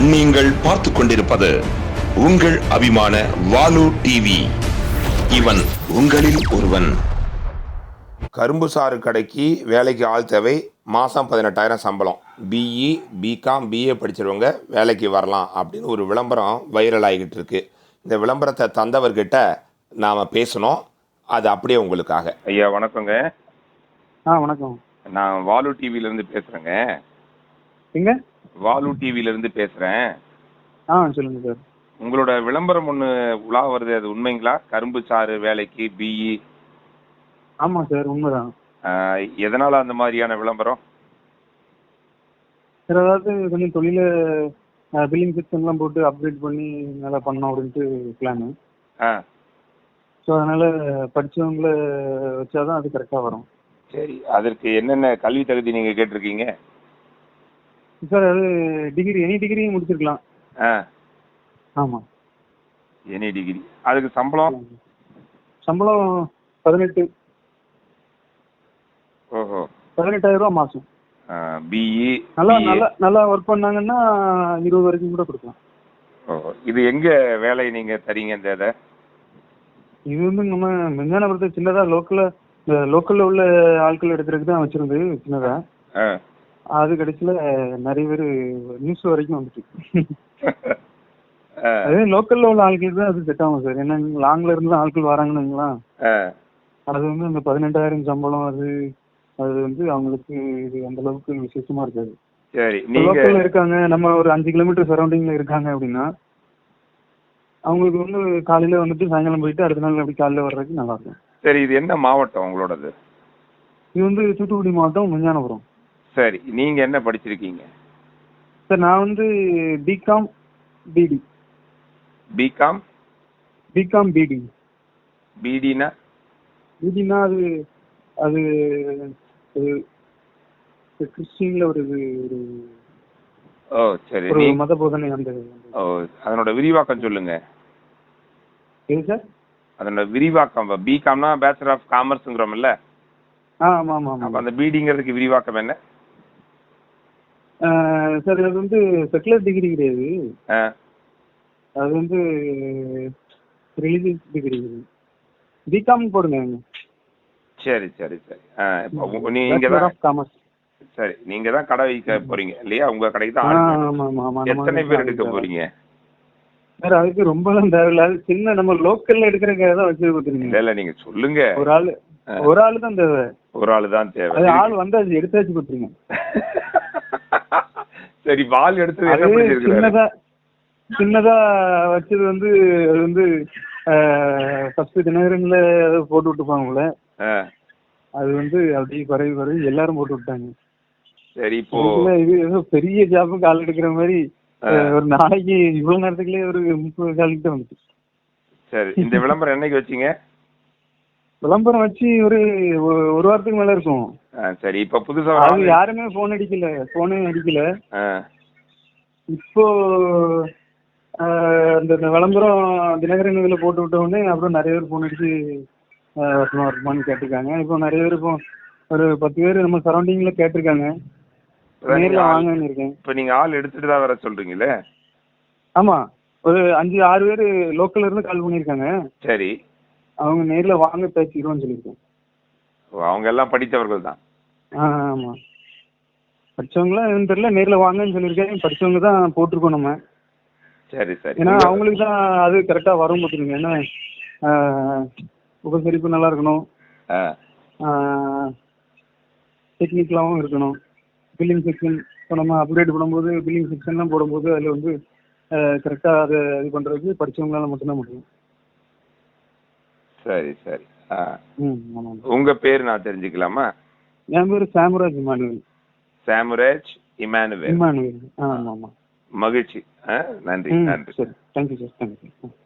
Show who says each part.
Speaker 1: நீங்கள் பார்த்து கொண்டிருப்பது உங்கள் அபிமான வாலு டிவி. இவன் உங்களில் ஒருவன்.
Speaker 2: கரும்பு சாறு கடைக்கு வேலைக்கு ஆள் தேவை. மாதம் 18,000 சம்பளம். பிஇ, பிகாம், பிஏ படிச்சிருவங்க வேலைக்கு வரலாம் அப்படின்னு ஒரு விளம்பரம் வைரல் ஆகிக்கிட்டு இருக்கு. இந்த விளம்பரத்தை தந்தவர்கிட்ட நாம் பேசணும். அது அப்படியே உங்களுக்காக. ஐயா வணக்கங்க.
Speaker 3: வணக்கம்.
Speaker 2: நான் வாலு டிவிலேருந்து பேசுகிறேங்க.
Speaker 3: எங்க?
Speaker 2: வாலு டிவிலேருந்து பேசுகிறேன்.
Speaker 3: சொல்லுங்க சார்.
Speaker 2: உங்களோட விளம்பரம் ஒன்று உலா வருது, அது உண்மைங்களா? கரும்பு சாறு வேலைக்கு பிஇ.
Speaker 3: ஆமாம் சார், உண்மைதான்.
Speaker 2: எதனால் அந்த மாதிரியான விளம்பரம்?
Speaker 3: சார், அதாவது கொஞ்சம் தொழில பில்லிங் சிஸ்டம்லாம் போட்டு அப்கிரேட் பண்ணி நல்லா பண்ணோம் அப்படின்ட்டு பிளானு. ஸோ அதனால் படித்தவங்கள வச்சாதான் அது கரெக்டாக வரும்.
Speaker 2: சரி, அதற்கு என்னென்ன கல்வி தகுதி நீங்கள் கேட்டிருக்கீங்க?
Speaker 3: சார், அது டிகிரி, எனி டிகிரி முடிச்சிருக்கலாம். ஆமாம்,
Speaker 2: எனி டிகிரி. அதுக்கு சம்பளம்?
Speaker 3: சம்பளம் 18.
Speaker 2: ஓஹோ,
Speaker 3: 18,000 மாதம்.
Speaker 2: பிஇ
Speaker 3: நல்லா நல்லா நல்லா ஒர்க் பண்ணாங்கன்னா 20 வரைக்கும் கூட கொடுக்கலாம்.
Speaker 2: ஓஹோ, இது எங்கே வேலை நீங்கள் தரீங்க? இந்த இதை
Speaker 3: இது வந்து நம்ம மெஞ்ஞானபுரத்தை சின்னதாக லோக்கலில் உள்ள ஆட்கள் எடுக்கிறதுக்கு தான் வச்சுருந்து சின்னதாக. அது கடைசியில் நிறைய பேர் நியூஸ் வரைக்கும் வந்துட்டு. அதே லோக்கல்ல உள்ள ஆட்கள் தான் அது செட் ஆகும் சார். ஏன்னா லாங்ல இருந்து ஆட்கள் வராங்கன்னுங்களா, அது வந்து அந்த 18,000 சம்பளம் அது வந்து அவங்களுக்கு இது அந்த அளவுக்கு விசேஷமா இருக்காது.
Speaker 2: சரி,
Speaker 3: லோக்கல்ல இருக்காங்க, நம்ம ஒரு 5 கிலோமீட்டர் சரௌண்டிங்ல இருக்காங்க அப்படின்னா அவங்களுக்கு வந்து காலையில வந்துட்டு சாயங்காலம் போயிட்டு அடுத்த நாள் அப்படி காலையில வர்றதுக்கு நல்லா இருக்கும்.
Speaker 2: சரி, இது என்ன மாவட்டம் உங்களோடது?
Speaker 3: இது வந்து தூத்துக்குடி மாவட்டம், மெஞ்ஞானபுரம்.
Speaker 2: சரி, நீங்க என்ன படிச்சிருக்கீங்க?
Speaker 3: சார், நான் வந்து பிகாம் பிடி.
Speaker 2: பிகாம்
Speaker 3: பிடி.
Speaker 2: பிடினா?
Speaker 3: பிடினா அது அது கிறிஸ்டின்ல ஒரு
Speaker 2: ஓ சரி,
Speaker 3: ஒரு மத போதனை. அந்த
Speaker 2: ஓ, அதனோட விரிவாக்கம் சொல்லுங்க.
Speaker 3: எது சார்?
Speaker 2: அதனோட விரிவாக்கம். பிகாம்னா பேச்சுலர் ஆஃப் காமர்ஸ்ங்கிறோம்ல.
Speaker 3: ஆமாம் ஆமாம் ஆமாம்.
Speaker 2: அந்த பிடிங்கிறதுக்கு விரிவாக்கம் என்ன
Speaker 3: சார்? அது வந்து செக்குலர் டிகிரி கிடையாது, அது வந்து ரிலீஜியஸ் டிகிரி. பிகாம் போடுங்க.
Speaker 2: சரி சரி சரி. நீங்க தான்
Speaker 3: காமர்ஸ்.
Speaker 2: சரி, நீங்க தான் கடை வைக்க போறீங்க இல்லையா? உங்க கடைக்கு தான் எத்தனை பேர் எடுக்க போறீங்க?
Speaker 3: சார், அதுக்கு ரொம்பலாம் தேவையில்ல. அது சின்ன நம்ம லோக்கல்ல எடுக்கிறதுக்காக தான் வச்சு கொடுத்துருங்க.
Speaker 2: இல்ல, நீங்க சொல்லுங்க.
Speaker 3: ஒரு ஆளு தான் தேவை.
Speaker 2: ஒரு ஆளு தான் தேவை.
Speaker 3: அது ஆள் வந்து அது எடுத்தாச்சு கொடுத்துருங்க.
Speaker 2: சரி, வால் எடுத்து
Speaker 3: சின்னதா வச்சது வந்து அது வந்து ஃபர்ஸ்ட் தினகரன்ல போட்டு விட்டுப்பாங்கல்ல, அது வந்து அப்படியே பரவி எல்லாரும் போட்டு விட்டாங்க.
Speaker 2: சரி, இப்போ
Speaker 3: இது ஏதோ பெரிய ஜாப்புக்கு ஆள் எடுக்கிற மாதிரி ஒரு நாளைக்கு இவ்வளவு நேரத்துக்குள்ளே ஒரு 30 கால் கிட்ட வந்துச்சு.
Speaker 2: சரி, இந்த விளம்பரம் என்னைக்கு வச்சீங்க?
Speaker 3: விளம்பரம் வச்சு ஒரு வாரத்துக்கு மேல இருக்கும்.
Speaker 2: சரி, இப்ப புதுசா
Speaker 3: அது யாருமே போனே அடிக்கல. இப்போ அந்த விளம்பரம் தினகரன் இதுல போட்டு விட்ட உடனே அப்புறம் நிறைய பேர் போன் அடிச்சு வருமானு கேட்டிருக்காங்க. இப்போ நிறைய பேர் இப்போ ஒரு 10 பேர் நம்ம சரௌண்டிங்ல கேட்டிருக்காங்க. நேர்ல வாங்கன்னு இருக்கேன்.
Speaker 2: இப்ப நீங்க ஆள் எடுத்துட்டு தான் வர சொல்றீங்களே?
Speaker 3: ஆமா, ஒரு 5-6 பேர் லோக்கல்ல இருந்து கால் பண்ணிருக்காங்க.
Speaker 2: சரி,
Speaker 3: அவங்க நேர்ல வாங்க பேசிடுவோம்னு சொல்லியிருக்கேன்.
Speaker 2: அவங்க எல்லாம் படித்தவர்கள் தான்?
Speaker 3: ஆமா, படிச்சவங்களாம் எதுவும் தெரியல, நேர்ல வாங்கன்னு சொல்லியிருக்கேன். படிச்சவங்க தான் போட்டிருக்கோம் நம்ம.
Speaker 2: சரி சரி.
Speaker 3: ஏன்னா அவங்களுக்கு தான் அது கரெக்டா வரும் பார்த்துருங்க. ஏன்னா உபசரிப்பு நல்லா இருக்கணும், டெக்னிக்கலாகவும் இருக்கணும். பில்லிங் செக்ஷன் இப்போ நம்ம அப்கிரேட் பண்ணும்போது பில்லிங் செக்ஷன்லாம் போடும்போது அதில் வந்து கரெக்டாக அதை இது பண்ணுறதுக்கு படித்தவங்களால மட்டும்தான் முடியும்.
Speaker 2: சரி சரி.
Speaker 3: ஆமாம்.
Speaker 2: உங்கள் பேர் நான் தெரிஞ்சுக்கலாமா?
Speaker 3: என் பேர் சாமுராஜ் இமானுவேல்.
Speaker 2: சாமுராஜ் இமானுவேல்.
Speaker 3: ஆமாம் ஆமாம்.
Speaker 2: மகிழ்ச்சி. நன்றி.
Speaker 3: சரி, தேங்க்யூ சார், தேங்க்யூ.